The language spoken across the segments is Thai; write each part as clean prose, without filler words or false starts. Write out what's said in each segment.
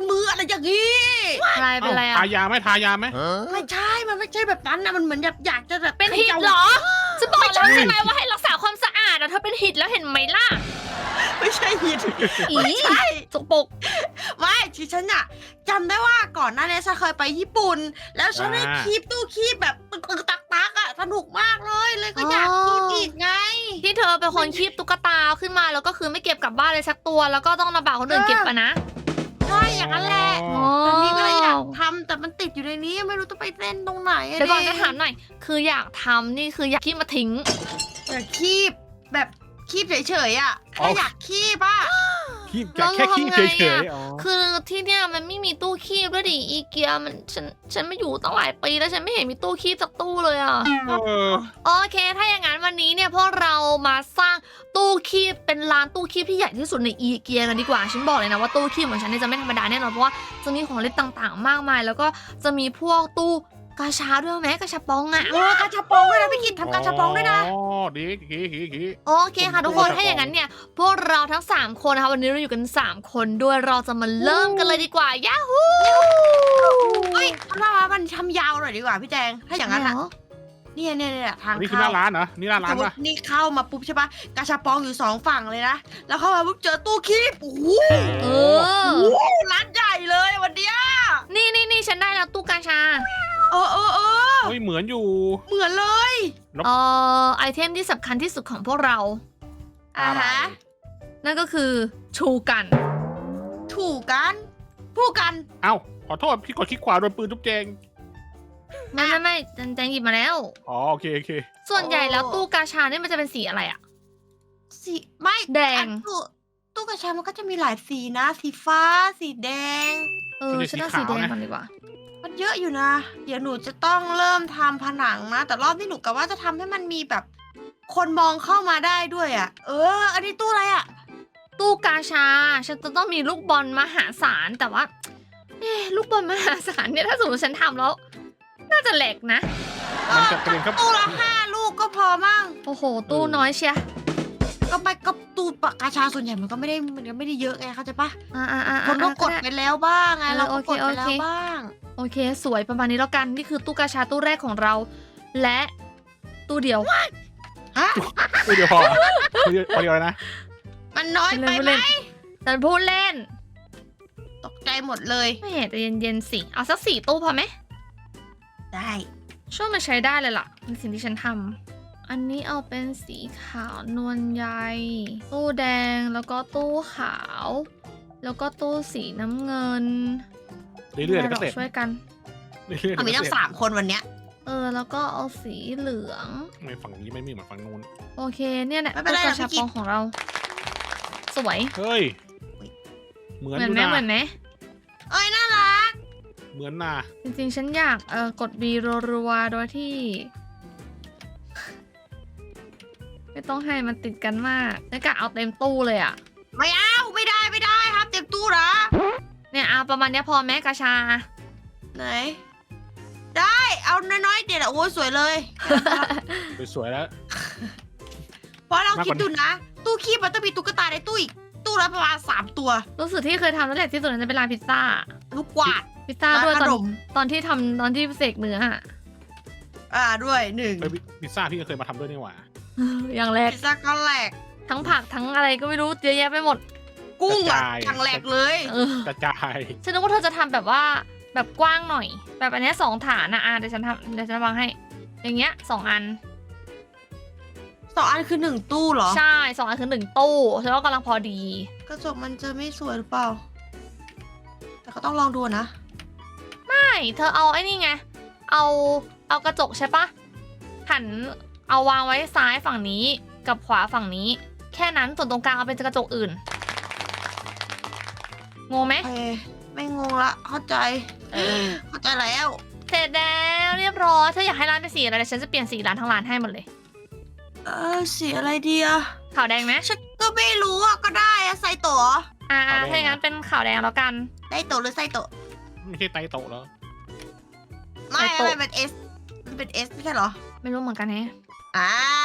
นมืออะไรอย่างนี้อะไรเป็นอะไรทาอ่ะยาไหมทายาไหมไม่ใช่มันไม่ใช่แบบนั้นนะมันเหมือนอยากจะแบบเป็นหิดเหรอฉันบอกแล้วใช่ไหมว่าให้รักษาความสะอาดอะเธอเป็นหิดแล้วเห็นไหมล่ะไม่ใช่หิดอีไม่ใช่สกปรกไม่ที่ฉันอะจำได้ว่าก่อนหน้านี้ฉันเคยไปญี่ปุ่น แล้วฉันได้คีบตู้คีบแบบตึกตักอะสนุกมากเลยก็อยากคีบอีกไงที่เธอเป็นคนคีบตุ๊กตาขึ้นมาแล้วก็คือไม่เก็บกลับบ้านเลยสักตัว แล้วก็ต้องลำบากคนอื่นเก็บอะนะใช่อย่างนั้นแหละอ๋อตอนนี้ก็เลยอยากทำแต่มันติดอยู่ในนี้ไม่รู้จะไปเล่นตรงไหนอะเดี๋ยวก่อนจะถามหน่อย คืออยากทำนี่คืออยากคีบมาทิ้งอยากคีบแบบคีบเฉยๆอะแค่อยากคีบอะคีบแล้วแค่คีบทำไงเฉอะยๆอ๋อคือที่เนี่ยมันไม่มีตู้คีบด้วยดิอีเกียมันฉันไม่อยู่ตั้งหลายปีแล้วฉันไม่เห็นมีตู้คีบสักตู้เลยอ่ะเออโอเค ถ้าอย่างนั้นวันนี้เนี่ยพวกเรามาสร้างตู้คีบเป็นร้านตู้คีบที่ใหญ่ที่สุดในอีเกียกันดีกว่า ฉันบอกเลยนะว่าตู้คีบของฉันเนี่ยจะไม่ธรรมดาแน่นอนเพราะว่าจะมีของเล่นต่างๆ มากมาย แล้วก็จะมีพวกตู้กาชาด้วยไหมกาชาปองอะกาชาปองด้วยนะพี่กิตทำกาชาปองด้วยนะอ๋อดีดีโอเคค่ะทุกคนถ้าอย่างนั้นเนี่ยพวกเราทั้ง3คนนะคะวันนี้เราอยู่กัน3คนด้วยเราจะมาเริ่มกันเลยดีกว่ายาฮูเฮ้ยว่ามันทำยาวหน่อยดีกว่าพี่แจงถ้าอย่างนั้นอะเนี่ยทางนี่คือหเข้าน้าร้านเหรอนี่หน้าร้าสนมมป่ะตินี่เข้ามาปุ๊บใช่ปะกาชาปองอยู่2ฝั่งเลยนะแล้วเข้ามาปุ๊บเจอตู้คีบโอ้โหเออร้านใหญ่เลยวันเนี้ยนี่ฉันได้แล้วตู้กาชาเออเฮ้ยเหมือนอยู่เหมือนเลยไอเทมที่สำคัญที่สุดของพวกเราอ่าฮะนั่นก็คือชูกันถูกกันพูดกันเอ้าขอโทษพี่กดคลิกขวาโดนปืนทุบแจงไม่แจงหยิบมาแล้วอ๋อโอเคส่วนใหญ่แล้วตู้กาชาเนี่ยมันจะเป็นสีอะไรอะสีไม่แดงตู้กาชามันก็จะมีหลายสีนะ สีฟ้า สีแดงฉันเอาสีแดงก่อนดีกว่ามันเยอะอยู่นะ เดี๋ยวหนูจะต้องเริ่มทำผนังนะ แต่รอบนี้หนูกะว่าจะทำให้มันมีแบบ คนมองเข้ามาได้ด้วยอ่ะ อันนี้ตู้อะไรอ่ะตู้กาชา ฉันจะต้องมีลูกบอลมหาศาลแต่ว่าลูกบอลมหาศาลเนี่ยถ้าสมมติฉันทำแล้ว น่าจะแหลกนะมันจะเป็นครับตู้ละ5 ลูกก็พอมั่งโอ้โห ตู้น้อยเชียก็ตู้ปากกาชาส่วนใหญ่มันก็ไม่ได้เยอะไงเข้าใจปะอ่าคนก็กดไปแล้วบ้างไง เราก็กดไปแล้วโอเคบ้างโอเค สวยประมาณนี้แล้วกัน นี่คือตู้กาชาตู้แรกของเรา และตู้เดียวฮะเดี๋ยวพอเดียวนะมันน้อยไปไหมแต่พูดเล่นตกใจหมดเลยไม่เห็นแต่เย็นๆสิ เอาสัก4 ตู้พอไหมได้ช่วยมาใช้ได้เลยล่ะเป็นสิ่งที่ฉันทำอันนี้เอาเป็นสีขาวนวลใยตู้แดงแล้วก็ตู้ขาว แล้วก็ตู้สีน้ำเงินเรื่อยๆก็เสร็จช่วยกันเรื่อยๆมีทั้ง3 คนวันเนี้ยแล้วก็เอาสีเหลืองไม่ฝั่งนี้ไม่มีเหมือนฝั่งนู้นโอเคเนี่ยแหละไม่เป็นไรตู้กระชับพี่กิ๊ปกองของเรา สวยเฮ้ยเหมือนเหมืออนยู่ไหมนะเหมือนไหมเอ้ยน่ารักเหมือนน่ะจริงๆฉันอยากกด B รัวๆโดยที่ ไม่ต้องให้มันติดกันมากแล้วก็เอาเต็มตู้เลยอ่ะไม่เอาไม่ได้ครับเต็มตู้นะเนี่ยเอาประมาณเนี้ยพอแม้กระชาไหน ได้เอาน้อยๆเดี๋ยวโอ้ยสวยเลยสวยๆแล้วเพราะเรามากกว่าคิดดูนะ ตู้คีบมันต้องมีตุ๊กตาในตู้อีกตู้ละประมาณ3 ตัวรู้สึกที่เคยทำนั่นแหละที่สุดนั้นจะเป็นร้านพิซซ่าลูกกวาดพิซซ่าด้วยร้านขนมตอนที่ทำตอนที่เสกเนื้ออะด้วย1 เฮ้ยพิซซ่าพี่ก็เคยมาทำด้วยนี่หว่าอย่างแรกพิซซ่าก็แหลกทั้งผักทั้งอะไรก็ไม่รู้เยอะแยะไปหมดกุ้งกระอ่ะจายอย่างแหลกเลยกระจายฉันนึกว่าเธอจะทำแบบว่าแบบกว้างหน่อย แบบอันเนี้ย2 ฐานนะเดี๋ยวฉันวางให้ อย่างเงี้ย2 อัน 2 อันคือ1 ตู้เหรอใช่2 อันคือ1 ตู้ฉันว่ากำลังพอดีกระจกมันจะไม่สวยหรือเปล่า แต่ก็ต้องลองดูนะไม่เธอเอาไอ้นี่ไงเอากระจกใช่ปะหันเอาวางไว้ซ้ายฝั่งนี้กับขวาฝั่งนี้ แค่นั้นส่วนตรงกลางเอาเป็นกระจกอื่นงงไหมโอเคไม่งงละเข้าใจเข้าใจแล้วเสร็จแล้วเรียบร้อยเธออยากให้ร้านเป็นสีอะไรเดี๋ยวฉันจะเปลี่ยนสีร้านทั้งร้านให้หมดเลยสีอะไรดีอะขาวแดงไหมฉันก็ไม่รู้อะก็ได้อะไซโตะถ้าอย่างนั้นเป็นขาวแดงแล้วกันไซโตะหรือไซโตะไม่ใช่ไตโตะแล้วไม่ไซโตะมันเป็น S มันเป็น S ไม่ใช่เหรอไม่รู้เหมือนกันแฮะ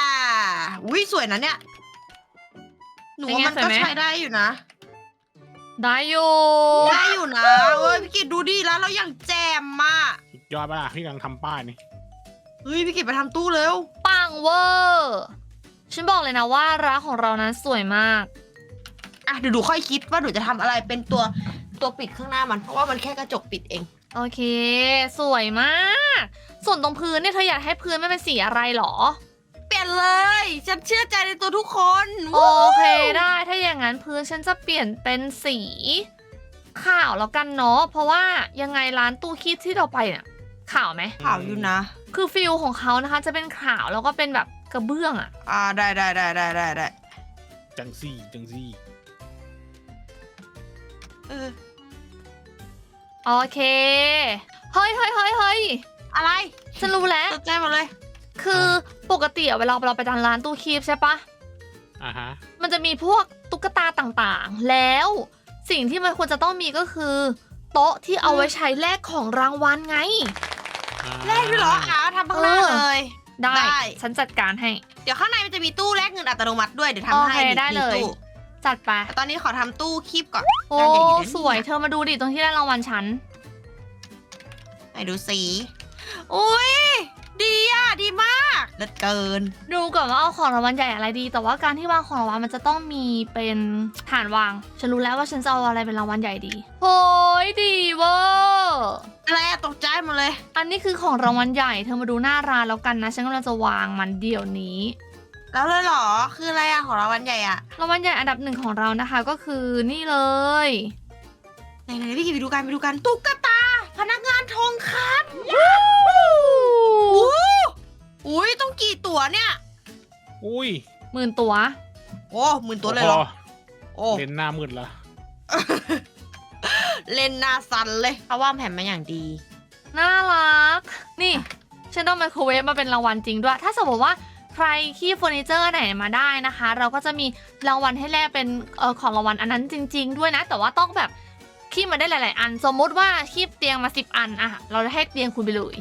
อุ้ยสวยนะเนี่ย หนูว่ามันเป็นไงสวยก็ไหมใช้ได้อยู่นะได้อยู่ได้อยู่นะเว้ยพี่กิตดูดิแล้วเราอย่างแจมมากสุดยอดปะล่ะพี่กำลังทำป้ายนี่เฮ้ยพี่กิตไปทำตู้เร็วปังเวอร์ฉันบอกเลยนะว่าร้านของเรานั้นสวยมากอ่ะเดี๋ยวดูค่อยคิดว่าหนูจะทำอะไรเป็นตัวปิดข้างหน้ามันเพราะว่ามันแค่กระจกปิดเองโอเค สวยมาก ส่วนตรงพื้นเนี่ยเธออยากให้พื้นไม่เป็นสีอะไรหรอเปลี่ยนเลย ฉันเชื่อใจในตัวทุกคนโอเคได้ถ้าอย่างนั้นพื้นฉันจะเปลี่ยนเป็นสีขาวแล้วกันเนาะเพราะว่ายังไงร้านตู้คีบที่เราไปเนี่ยขาวไหมข่าวอยู่นะคือฟิลของเขานะคะจะเป็นขาวแล้วก็เป็นแบบกระเบื้องอะได้จังซี่จังซี่เออโอเคเฮ้ยอะไรฉันรู้แล้วตกใจหมดเลยคือปกติอะเวลาเราไปร้านตู้คีบใช่ปะอ่าฮะมันจะมีพวกตุ๊กตาต่างๆ แล้วสิ่งที่มันควรจะต้องมีก็คือ โต๊ะที่เอาไว้ใช้แลกของรางวัลไงแลกด้วยเหรอทำข้างหน้าเลยได้ได้ฉันจัดการให้เดี๋ยวข้างในมันจะมีตู้แลกเงินอัตโนมัติด้วยเดี๋ยวโอทำให้เคได้เลยมีตู้จัดไปแต่ตอนนี้ขอทำตู้คีบก่อนโอ้จานใหญ่ดีนะสวยเธอมาดูดิตรงที่ได้รางวัลฉันไหนดูสีอุ้ยดีอ่ะดีมากเลิศเกินดูก่อนว่าเอาของรางวัลใหญ่อะไรดี แต่ว่าการที่วางของรางวัลมันจะต้องมีเป็นฐานวาง ฉันรู้แล้วว่าฉันจะเอาอะไรเป็นรางวัลใหญ่ดีโอ้ยดีเวอร์อะไรอะตกใจหมดเลยอันนี้คือของรางวัลใหญ่เธอมาดูหน้าร้านแล้วกันนะฉันกำลังจะวางมันเดี๋ยวนี้แล้วเลยเหรอคืออะไรอะของเราวันใหญ่อะรางวัลใหญ่อันดับหนึ่งของเรานะคะก็คือนี่เลยไหนพี่กิตไปดูกันตุ๊กตาพนักงานทองคำอุ้ยต้องกี่ตั๋วเนี่ยอุ้ย 10,000 ตัวโอ้10,000 ตัวเลยเหรอโอ้เล่นหน้ามืดละเล่นหน้าสั่นเลยเขาวางแผนมาอย่างดีน่ารัก นี่ฉันต้องไมโครเวฟมาเป็นรางวัลจริงด้วย ถ้าสมมติว่าใครขี้เฟอร์นิเจอร์ไหนมาได้นะคะ เราก็จะมีรางวัลให้แลกเป็นของรางวัลอันนั้นจริง ๆ ด้วยนะ แต่ว่าต้องแบบขี้มาได้หลาย ๆ อัน สมมุติว่าขี้เตียงมา10 อันอะเราจะให้เตียงคุณไปเลย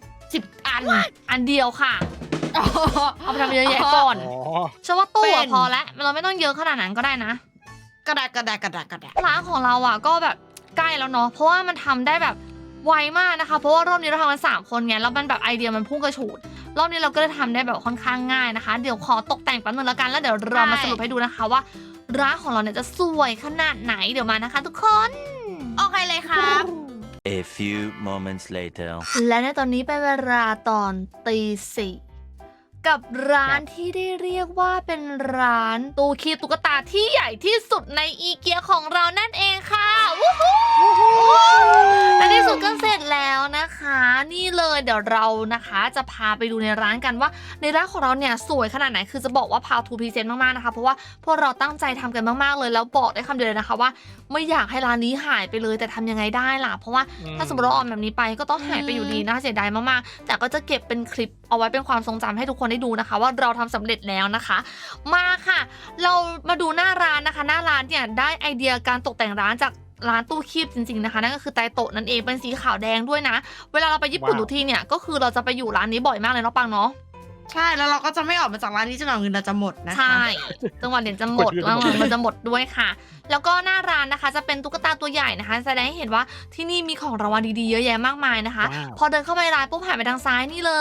10 อันอันเดียวค่ะ เอาไปทำเยอะแยะก่อนอ๋อฉันว่าตู้เป็อะนพอแล้วเราไม่ต้องเยอะขนาดนั้นก็ได้นะกระดาษร้านของเราอ่ะก็แบบใกล้แล้วเนาะเพราะว่ามันทำได้แบบไวมากนะคะ เพราะว่ารอบนี้เราทำกัน3 คนไงแล้วมันแบบไอเดียมันพุ่งกระฉูดรอบนี้เราก็เลยทำได้แบบค่อนข้างง่ายนะคะ เดี๋ยวขอตกแต่งแป๊บนึงแล้วกันแล้วเดี๋ยวเรามาสรุปให้ดูนะคะว่าร้านของเราเนี่ยจะสวยขนาดไหนเดี๋ยวมานะคะ ทุกคนโอเคเลยครับ A few moments later. และในตอนนี้เป็นเวลาตอนตี 4กับร้านที่ได้เรียกว่าเป็นร้านตู้คีบตุ๊กตาที่ใหญ่ที่สุดในอีเกียของเรานั่นเองค่ะวู้ฮู้อันนี้สุดก็เสร็จแล้วนะคะ นี่เลยเดี๋ยวเรานะคะจะพาไปดูในร้านกันว่าในร้านของเราเนี่ยสวยขนาดไหนคือจะบอกว่าพาวทูพรีเซนต์มากๆนะคะเพราะว่าพวกเราตั้งใจทำกันมากๆเลยแล้วบอกได้คำเดียวเลยนะคะว่าไม่อยากให้ร้านนี้หายไปเลยแต่ทำยังไงได้ล่ะเพราะว่าถ้าสมมติเราออนแบบนี้ไปก็ต้องหายไปอยู่ดีน่าเสียดายมากๆแต่ก็จะเก็บเป็นคลิปเอาไว้เป็นความทรงจำให้ทุกคนได้ดูนะคะว่าเราทำสำเร็จแล้วนะคะ มาค่ะ เรามาดูหน้าร้านนะคะ หน้าร้านเนี่ยได้ไอเดียการตกแต่งร้านจากร้านตู้คีบจริงๆนะคะนั่นก็คือไตโตะนั่นเองเป็นสีขาวแดงด้วยนะ เวลาเราไปญี่ปุ่นทุกที่เนี่ยก็คือเราจะไปอยู่ร้านนี้บ่อยมากเลยเนาะปังเนาะใช่แล้วเราก็จะไม่ออกมาจากร้านนี้จนกว่าเงินเราจะหมดนะคะใช่จังหวะเดี๋ยวจะหมดจังหวะมันจะหมดด้วยค่ะ แล้วก็หน้าร้านนะคะจะเป็นตุ๊กตาตัวใหญ่นะคะแสดงให้เห็นว่าที่นี่มีของรางวัลดีๆเยอะแยะมากมายนะคะว้าวพอเดินเข้าไปในร้านปุ๊บหันไปทางซ้ายนี่เลย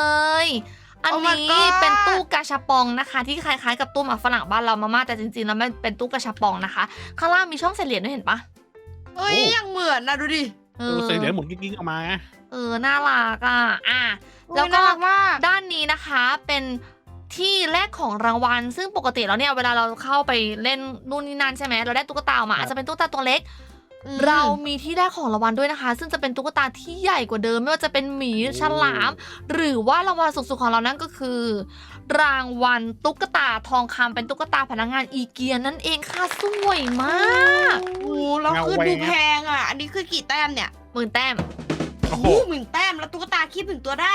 อัน Oh my นี้ god เป็นตู้กาชาปองนะคะ ที่คล้ายๆกับตู้หมากฝรั่งบ้านเรามากๆแต่จริงๆแล้วมันเป็นตู้กาชาปองนะคะข้างล่างมีช่องใส่เหรียญด้วยเห็นปะเอ้ยยังเหมือนนะดูดิดูใส่เหรียญหมุนกิ๊กๆออกมาไงน่ารักอ่ะแล้วโอ้ยก็น่ารักมากด้านนี้นะคะเป็นที่แรกของรางวัลซึ่งปกติแล้วเนี่ยเวลาเราเข้าไปเล่นนู่นนี่นั่นใช่ไหมเราได้ตุ๊กตามาอาจจะเป็นตุ๊กตาตัวเล็ก เรามีที่แรกของรางวัลด้วยนะคะ ซึ่งจะเป็นตุ๊กตาที่ใหญ่กว่าเดิมไม่ว่าจะเป็นหมีฉลาม หรือว่ารางวัลสูงสุดของเรานั่นก็คือ รางวัลตุ๊กตาทองคำเป็นตุ๊กตาพนักงานอีเกียนั่นเองค่ะสวยมากโอ้แล้วคือดูแพงอ่ะ อันนี้คือกี่แต้มเนี่ย 10,000 แต้มโอ้โอ้โหโห10,000 แต้มแล้วตุ๊กตาคีบ1 ตัวได้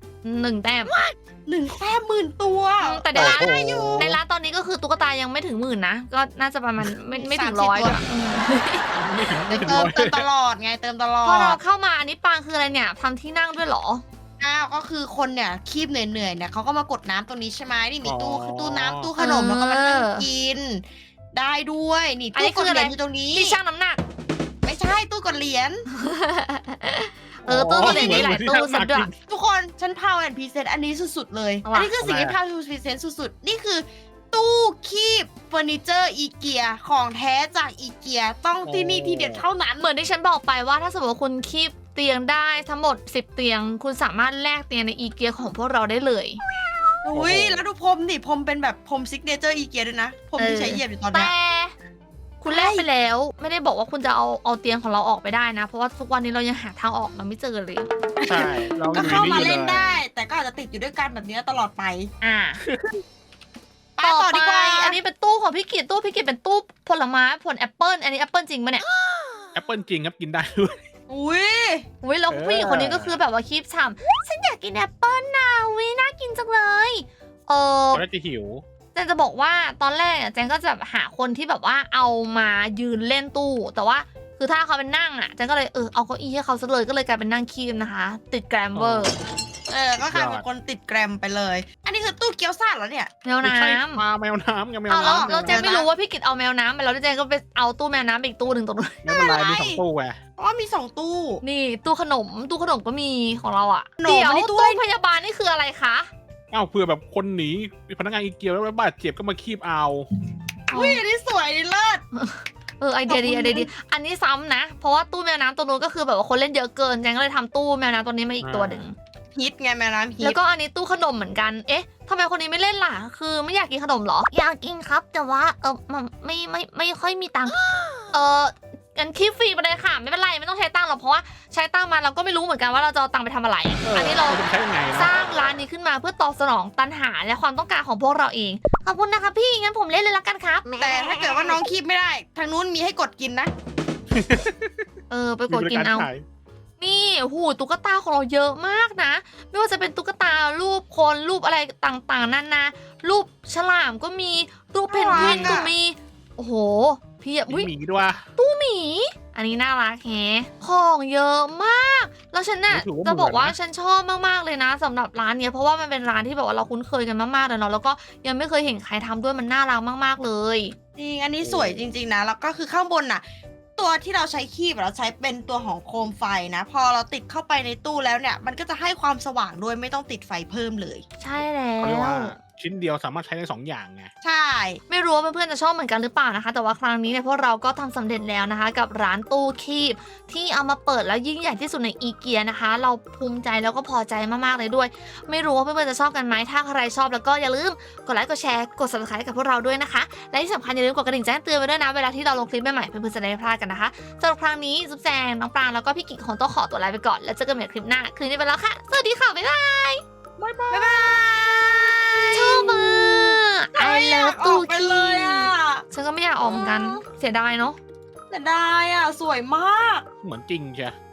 1 แต้ม 1 แต้ม10,000 ตัวแต่ในร้านโอ้โหในร้านตอนนี้ก็คือตุ๊กตายังไม่ถึง10,000นะก็น่าจะประมาณไม่ถึง 30 100 ตัวอะไม่ถึงเติร้อมยเติมตลอดไงเติมตลอพอเราดเข้ามาอันนี้ปางคืออะไรเนี่ยทำที่นั่งด้วยเหรออ้าวก็คือคนเนี่ยคีบเหนื่อยๆเนี่ยเขาก็มากดน้ำตรงนี้ใช่ไหมนี่มีตู้น้ำตู้ขนมแล้วก็มานั่งกิน ได้ด้วยนี่อันนี้ตู้กคือดอะไรเหรียญอยู่ตรงนี้ที่ชั่งน้ำหนักใช่ตู้กดเหรียญตู้เหรียญมีหลายตู้สุดด้วยทุกคนฉันพาวแอนพรีเซนต์อันนี้สุดๆเลยเอาวะอันนี้คือสิ่งที่พาวพรีเซนต์สุดๆนี่คือ ตู้คีบเฟอร์นิเจอร์อีเกียของแท้จากอีเกียต้องที่นี่ที่เด็ดเท่านั้นเหมือนที่ฉันบอกไปว่าถ้าสมมติว่าคุณคีบเตียงได้ทั้งหมด10เตียง คุณสามารถแลกเตียงในอีเกียของพวกเราได้เลยอุ้ยแล้วดูพรมดิพรมเป็นแบบพรมซิกเนเจอร์อีเกียด้วยนะพรมที่ใช้เหยียบอยู่ตอนเนี้แต่ยคุณแลกไปแล้วไม่ได้บอกว่าคุณจะเอาเตียงของเราออกไปได้นะ เพราะว่าทุกวันนี้เรายังหาทางออกมาไม่เจอเลยใช่เราก็เข้ามาเล่นอยู่ได้ แต่ก็อาจจะติดอยู่ด้วยกันแบบนี้ตลอดไปอ่าไปต่อดีกว่าอันนี้เป็นตู้ของพี่กิตตู้พี่กิตเป็นตู้ผลไม้ผลแอปเปิลอันนี้แอปเปิลจริงปะเนี่ยแอปเปิลจริงครับกินได้ด้วยอุ้ยอุ้ยแล้วผู้หญิงคนนี้ก็คือแบบว่าคีบฉ่ำฉันอยากกินแอปเปิลนะอุ้ยน่ากินจังเลยเขาน่าจะหิวแจนจะบอกว่าตอนแรกอะแจนก็จะแบบหาคนที่แบบว่าเอามายืนเล่นตู้ แต่ว่าคือถ้าเขาเป็นนั่งอ่ะแจนก็เลยเอาเก้าอี้ให้เขาซะเลยก็เลยกลายเป็นนั่งคีบนะคะ ติดแกรมเวอร์ก็กลายเป็นคนติดแกรมไปเลย อันนี้คือตู้เกี๊ยวซ่าเหรอเนี่ยแมวไม่น้ใช่ปลาแมวน้ำไงแมวำเอาแล้วน้ำเราแจนไม่รู้ว่าพี่กิตเอาแมวน้ำไปแล้วแจนก็ไปเอาตู้แมวน้ำไปอีกตู้หนึ่งตรงนู้นไม่เป็นไรมีสองตู้ไงเพราะว่ามี2ตู้นี่ตู้ขนมก็มีของเราอ่ะขนมเดี๋ยวอันนี้ตู้ตู้พยาบาลนี่คืออะไรคะอ้าวเผื่อแบบคนหนีพนักงานอีเกียแล้วบาดเจ็บก็มาคีบเอาอุ้ยอันนี้สวยดีเลิศไอเดียดีขอบคุณไอเดียดีอันนี้ซ้ำนะ เพราะว่าตู้แมวน้ำตัวนู้นก็คือแบบว่าคนเล่นเยอะเกินแจงก็เลยทำตู้แมวน้ำตัวนี้มาอีกตัวหนึ่งฮิตไงแม่น้ำฮิแล้ตวก็อันนี้ตู้ขนมเหมือนกัน เอ๊ะทำไมคนนี้ไม่เล่นล่ะ คือไม่อยากกินขนมเหรอ อยากกินครับ แต่ว่ามันไม่ค่อยมีตังค์งั้นคีบฟรีไปเลยค่ะ ไม่เป็นไรไม่ต้องใช้ตังค์หรอกเพราะว่าใช้ตังค์มาเราก็ไม่รู้เหมือนกันว่าเราจะเอาตังค์ไปทำอะไร อันนี้เราจะใช้ยังไงสร้างร้านนี้ขึ้นมาเพื่อตอบสนองตัณหาและความต้องการของพวกเราเอง ขอบคุณนะคะพี่ งั้นผมเล่นเลยละกันครับแต่ถ้าเกิดว่าน้องคีบไม่ได้ ทางนู้นมีให้กดกินนะไปกดกินเอา นี่หูตุ๊กตาของเราเยอะมากนะ ไม่ว่าจะเป็นตุ๊กตารูปคนรูปอะไรต่างๆนานารูปฉลามก็มีรูปเพนกวินก็มี โอ้โห พี่อะมีหมีด้วยตู้หมี อันนี้น่ารักแฮะของเยอะมาก แล้วฉันน่ะจะบอกว่าฉันชอบมากๆเลยนะสำหรับร้านเนี้ยเพราะว่ามันเป็นร้านที่แบบว่าเราคุ้นเคยกันมากๆเลยเนาะแล้วก็ยังไม่เคยเห็นใครทำด้วยมันน่ารักมากๆเลยจริง อันนี้สวยจริงๆนะ แล้วก็คือข้างบนน่ะ ตัวที่เราใช้คีบเราใช้เป็นตัวของโคมไฟนะ พอเราติดเข้าไปในตู้แล้วเนี่ย มันก็จะให้ความสว่างด้วยไม่ต้องติดไฟเพิ่มเลยใช่แล้เขาเรียกวว่าชิ้นเดียวสามารถใช้ได้2อย่างไงใช่ไม่รู้ว่าเพื่อนๆจะชอบเหมือนกันหรือเปล่านะคะ แต่ว่าครั้งนี้เนี่ยพวกเราก็ทำสำเร็จแล้วนะคะ กับร้านตู้คีบที่เอามาเปิดแล้วยิ่งใหญ่ที่สุดในอีเกียนะคะ เราภูมิใจแล้วก็พอใจมากๆเลยด้วย ไม่รู้ว่าเพื่อนๆจะชอบกันไหมถ้าใครชอบแล้วก็อย่าลืมกดไลค์กดแชร์กด subscribe ให้กับพวกเราด้วยนะคะและที่สำคัญอย่าลืมกดกระดิ่งแจ้งเตือนไว้ด้วยนะเวลาที่เราลงคลิปใหม่ๆเพื่อนๆจะได้ไม่พลาดกันนะคะสำหรับครั้งนี้ซุปแจงน้องปรางแล้วก็พี่กิ๊กของโต๊ะขอตัวลาไปก่อนแล้วเจอกันใหม่คลิปหน้าคืนนี้ไปแล้วค่ะสวัสดีค่ะบ๊ายบายบ๊ายบายชอบมาก I love อตู้อกไปคีเลยอ่ะฉันก็ไม่อยากออกเหมือนกันเสียดายเนาะแต่ได้อ่ะ สวยมากเหมือนจริงใช่